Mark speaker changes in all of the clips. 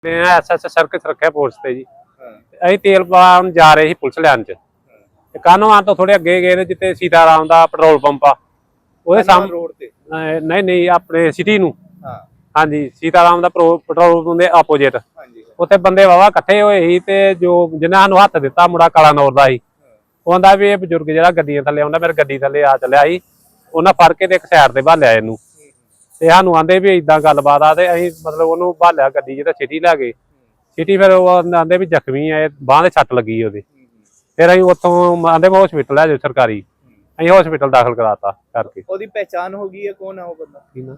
Speaker 1: SS circus ਰੱਖਿਆ police ਤੇ ਜੀ। ਅਸੀਂ ਤੇਲ ਪਾਉਣ ਜਾ ਰਹੇ ਸੀ ਪੁਲਿਸ ਲਾਈਨ ਚ ਤੇ ਕਾਹਨੋਂ ਤੋਂ ਥੋੜੇ ਅੱਗੇ ਗਏ ਨੇ ਜਿੱਥੇ ਸੀਤਾਰਾਮ ਦਾ ਪੈਟਰੋਲ ਪੰਪ ਆ ਉਹਦੇ ਸਾਹਮਣੇ
Speaker 2: ਰੋਡ ਤੇ
Speaker 1: ਨਹੀਂ ਆਪਣੇ ਸਿਟੀ ਨੂੰ ਹਾਂਜੀ ਸੀਤਾਰਾਮ ਦਾ ਪੈਟਰੋਲ ਪੰਪ ਦੇ ਆਪੋਜੀਟ ਉੱਥੇ ਬੰਦੇ ਵਾਵਾ ਇਕੱਠੇ ਹੋਏ ਸੀ ਤੇ ਜੋ ਜਿਨ੍ਹਾਂ ਨੂੰ ਹੱਥ ਦਿੱਤਾ ਮੁੰਡਾ ਕਾਲਾ ਨੌਰ ਦਾ ਸੀ ਉਹ ਕਹਿੰਦਾ ਵੀ ਇਹ ਬਜ਼ੁਰਗ ਜਿਹੜਾ ਗੱਡੀਆਂ ਥੱਲੇ ਆਉਂਦਾ ਮੇਰੇ ਗੱਡੀ ਥੱਲੇ ਆ ਚੱਲਿਆ ਸੀ ਉਹਨਾਂ ਫੜ ਕੇ ਤੇ ਇੱਕ ਸਾਈਡ ਤੇ ਭਾਲਿਆ ਇਹਨੂੰ ਤੇ ਸਾਨੂੰ ਆਂਦੇ ਵੀ ਏਦਾਂ ਗੱਲਬਾਤ ਆ ਤੇ ਅਸੀਂ ਮਤਲਬ ਉਹਨੂੰ ਭਾਲਿਆ ਗੱਡੀ ਜਿਹੜਾ ਸਿਟੀ ਲੈ ਗਏ ਸਿਟੀ ਫਿਰ ਉਹ ਆਂਦੇ ਵੀ ਜ਼ਖਮੀ ਆ ਬਾਂਹ ਦੇ ਸੱਟ ਲੱਗੀ ਉਹਦੇ ਫਿਰ ਅਸੀਂ ਉੱਥੋਂ ਆਂਦੇ ਮੈਂ ਹਸਪੀਟਲ ਲੈ ਜਾਓ ਸਰਕਾਰੀ ਅਸੀਂ ਹਸਪੀਟਲ ਦਾਖਲ ਕਰਾਤਾ ਕਰਕੇ।
Speaker 2: ਉਹਦੀ ਪਹਿਚਾਣ ਹੋ ਗਈ ਹੈ ਕੌਣ ਹੈ ਉਹ ਬੰਦਾ?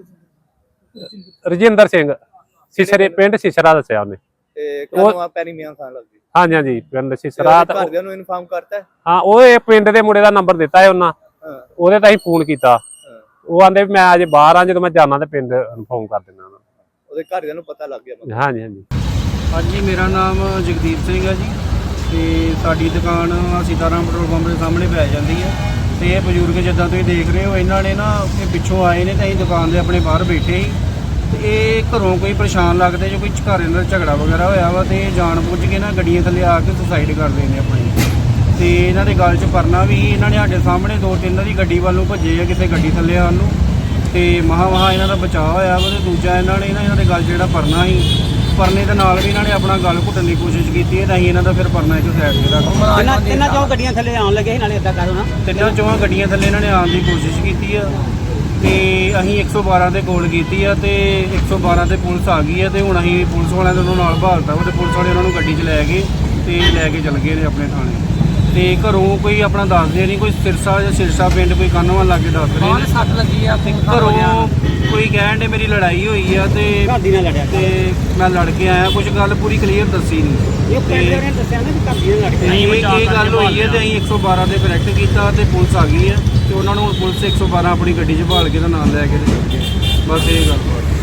Speaker 1: ਰਜਿੰਦਰ ਸਿੰਘ ਸਿਸਰੇ ਪਿੰਡ ਸਿਸਰਾ ਦੱਸਿਆ ਉਹਨੇ
Speaker 2: ਤੇ ਕਦੋਂ ਪੈਰੀ ਮੀਆਂ ਖਾਨ ਲੱਗਦੀ?
Speaker 1: ਹਾਂਜੀ ਹਾਂਜੀ ਪਿੰਡ ਸਿਸਰਾ।
Speaker 2: ਘਰਦਿਆਂ ਨੂੰ ਇਨਫਾਰਮ ਕਰਤਾ?
Speaker 1: ਹਾਂ ਉਹ ਇਹ ਪਿੰਡ ਦੇ ਮੁੰਡੇ ਦਾ ਨੰਬਰ ਦਿੱਤਾ ਹੈ ਉਹਨਾਂ ਉਹਦੇ ਤਾਂ ਅਸੀਂ ਫੋਨ ਕੀਤਾ ਉਹ ਆਂਦੇ ਵੀ ਮੈਂ ਅਜੇ ਬਾਹਰ ਆ ਜਦੋਂ ਮੈਂ ਜਾਣਾ ਤੇ ਪਿੰਡ ਇਨਫਾਰਮ ਕਰ ਦਿੰਦਾ
Speaker 2: ਉਹਦੇ ਘਰਦਿਆਂ ਨੂੰ ਪਤਾ ਲੱਗ ਗਿਆ?
Speaker 1: ਹਾਂਜੀ ਹਾਂਜੀ
Speaker 3: ਹਾਂਜੀ ਮੇਰਾ ਨਾਮ ਜਗਦੀਪ ਸਿੰਘ ਹੈ ਜੀ ਤੇ ਸਾਡੀ ਦੁਕਾਨ ਸੀਤਾਰਾਮ ਪੈਟਰੋਲ ਪੰਪ ਦੇ ਸਾਹਮਣੇ ਪੈ ਜਾਂਦੀ ਹੈ ਤੇ ਇਹ ਬਜ਼ੁਰਗ ਜਿੱਦਾਂ ਤੁਸੀਂ ਦੇਖ ਰਹੇ ਹੋ ਇਹਨਾਂ ਨੇ ਨਾ ਇਹ ਪਿੱਛੋਂ ਆਏ ਨੇ ਤੇ ਅਸੀਂ ਦੁਕਾਨ ਦੇ ਆਪਣੇ ਬਾਹਰ ਬੈਠੇ ਸੀ ਤੇ ਇਹ ਘਰੋਂ ਕੋਈ ਪਰੇਸ਼ਾਨ ਲੱਗਦੇ ਜੋ ਕੋਈ ਘਰ ਇਹਨਾਂ ਦਾ ਝਗੜਾ ਵਗੈਰਾ ਹੋਇਆ ਵਾ ਤੇ ਜਾਣ ਬੁੱਝ ਕੇ ਨਾ ਗੱਡੀਆਂ ਥੱਲੇ ਆ ਕੇ ਸੁਸਾਈਡ ਕਰਦੇ ਨੇ ਆਪਣੀ ਤੇ ਇਹਨਾਂ ਦੇ ਗੱਲ 'ਚ ਪਰਨਾ ਵੀ ਇਹਨਾਂ ਨੇ ਸਾਡੇ ਸਾਹਮਣੇ ਦੋ ਤਿੰਨ ਦੀ ਗੱਡੀ ਵੱਲ ਨੂੰ ਭੱਜੇ ਆ ਕਿਸੇ ਗੱਡੀ ਥੱਲੇ ਆਉਣ ਨੂੰ ਤੇ ਮਹਾ ਇਹਨਾਂ ਦਾ ਬਚਾਅ ਹੋਇਆ ਵਾ ਤੇ ਦੂਜਾ ਇਹਨਾਂ ਦੇ ਗੱਲ ਜਿਹੜਾ ਪਰਨਾ ਸੀ ਪਰਨੇ ਦੇ ਨਾਲ ਵੀ ਇਹਨਾਂ ਨੇ ਆਪਣਾ ਗਲ ਘੁੱਟਣ ਦੀ ਕੋਸ਼ਿਸ਼ ਕੀਤੀ ਹੈ ਤਾਂ ਅਸੀਂ ਇਹਨਾਂ ਦਾ ਫਿਰ ਪਰਨਾ ਇੱਕ ਸਾਈਡ ਤੇ ਰੱਖ
Speaker 4: ਤਿੰਨਾਂ ਚੋਂ ਗੱਡੀਆਂ ਥੱਲੇ ਆਉਣ ਲੱਗੇ ਸੀ ਨਾਲੇ ਏਦਾਂ ਕਰੋ ਨਾ
Speaker 3: ਤਿੰਨਾਂ ਚੋਂ ਗੱਡੀਆਂ ਥੱਲੇ ਇਹਨਾਂ ਨੇ ਆਉਣ ਦੀ ਕੋਸ਼ਿਸ਼ ਕੀਤੀ ਆ ਤੇ ਅਸੀਂ 112 ਤੇ ਕਾਲ ਕੀਤੀ ਆ ਤੇ 112 ਤੇ ਪੁਲਿਸ ਆ ਗਈ ਆ ਤੇ ਹੁਣ ਅਸੀਂ ਪੁਲਿਸ ਵਾਲਿਆਂ ਦੇ ਉਹਨਾਂ ਨਾਲ ਭਾਲਤਾ ਵਾ ਤੇ ਪੁਲਿਸ ਵਾਲੇ ਉਹਨਾਂ ਨੂੰ ਗੱਡੀ 'ਚ ਲੈ ਗਏ ਤੇ ਲੈ ਕੇ ਚਲ ਗਏ ਨੇ ਆਪਣੇ ਥਾਣੇ ਤੇ ਘਰੋਂ ਕੋਈ ਆਪਣਾ ਦੱਸਦੇ ਨਹੀਂ ਕੋਈ ਸਿਰਸਾ ਜਾਂ ਸਿਰਸਾ ਪਿੰਡ ਕੋਈ ਕਾਨੋਂ ਲੱਗੇ ਦੱਸ ਰਹੇ ਨੇ
Speaker 4: ਸੱਟ ਲੱਗੀ ਆ
Speaker 3: ਘਰੋਂ ਕੋਈ ਕਹਿਣ ਦੇ ਮੇਰੀ ਲੜਾਈ ਹੋਈ ਆ ਤੇ
Speaker 4: ਘਰਦੀ ਨਾਲ ਲੜਿਆ
Speaker 3: ਤੇ ਮੈਂ ਲੜ ਕੇ ਆਇਆ ਕੁਝ ਗੱਲ ਪੂਰੀ ਕਲੀਅਰ ਦੱਸੀ ਨਹੀਂ
Speaker 4: ਇਹ ਪਿੰਡ ਦੇ ਨੇ ਦੱਸਿਆ ਨਾ ਕਿ ਘਰਦੀ ਨਾਲ ਲੜ ਕੇ
Speaker 3: ਇਹ ਗੱਲ ਹੋਈ ਹੈ ਤੇ ਅਸੀਂ 112 ਤੇ ਕਰੈਕਟ ਕੀਤਾ ਤੇ ਪੁਲਿਸ ਆ ਗਈ ਹੈ ਤੇ ਉਹਨਾਂ ਨੂੰ ਪੁਲਿਸ 112 ਆਪਣੀ ਗੱਡੀ 'ਚ ਭਾਲ ਕੇ ਤਾਂ ਨਾਲ ਲੈ ਕੇ ਤੇ ਚੱਲ ਗਏ ਬਸ ਇਹ ਗੱਲ